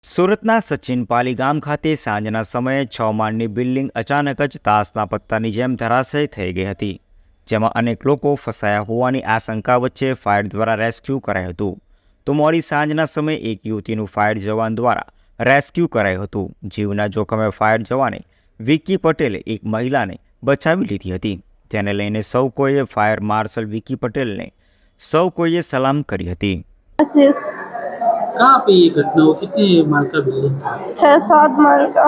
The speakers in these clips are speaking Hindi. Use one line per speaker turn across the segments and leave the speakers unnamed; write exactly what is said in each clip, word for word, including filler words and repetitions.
સુરતના સચિન પાલી ગામ ખાતે સાંજના સમયે છ માળની બિલ્ડિંગ અચાનક જ તાસના પત્તાની જેમ ધરાશય થઈ ગઈ હતી, જેમાં અનેક લોકો ફસાયા હોવાની આશંકા વચ્ચે ફાયર દ્વારા રેસ્ક્યુ કરાયું હતું. તો મોડી સાંજના સમયે એક યુવતીનું ફાયર જવાન દ્વારા રેસ્ક્યુ કરાયું હતું. જીવના જોખમે ફાયર જવાને વિકી પટેલે એક મહિલાને બચાવી લીધી હતી, જેને લઈને સૌ કોઈએ ફાયર માર્શલ વિકી પટેલને સૌ કોઈએ સલામ કરી હતી.
कहाँ पे ये घटना हो? कितने माल का बिल्डिंग?
छः सात माल का।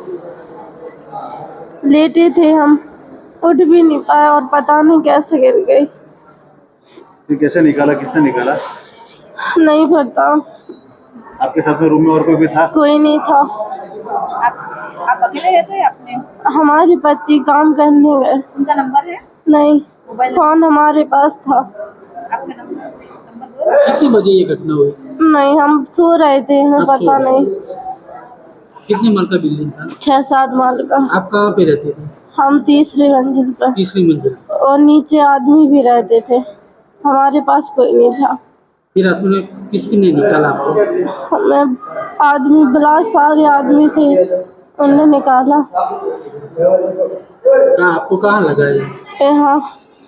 लेटे थे हम, उठ भी नहीं पाए और पता नहीं कैसे गिर गई।
ये कैसे निकाला, किसने निकाला?
नहीं पता।
आपके साथ में रूम में और कोई भी था?
कोई नहीं था।
आप आप अकेले रहते हैं? अपने
हमारे पति काम करने गए।
उनका नंबर है?
नहीं,
मोबाइल
फोन हमारे पास था।
आपका नंबर नंबर दो।
कितने बजे ये घटना हुई?
नहीं, हम सो रहे थे, हमें
आप सो
पता
रहे
नहीं।
कितने माल का बिल्डिंग था?
छः सात माल का।
आप कहाँ पे रहते थे?
हम तीसरी मंजिल पर
तीसरी मंजिल।
और नीचे आदमी भी रहते थे, हमारे पास कोई नहीं था।
फिर आपने किसने निकाला आपको?
हमें आदमी बुला, सारे आदमी थे, उन्होंने निकाला।
कहाँ आपको कहाँ लगा ये?
यहाँ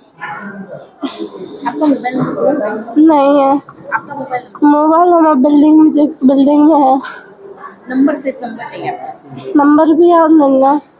आपका मोबाइल नंबर
नहीं है।
आपका मोबाइल
मोबाइल हमारे बिल्डिंग में बिल्डिंग में है।
नंबर सिर्फ नंबर चाहिए आपको।
नंबर भी याद नहीं है।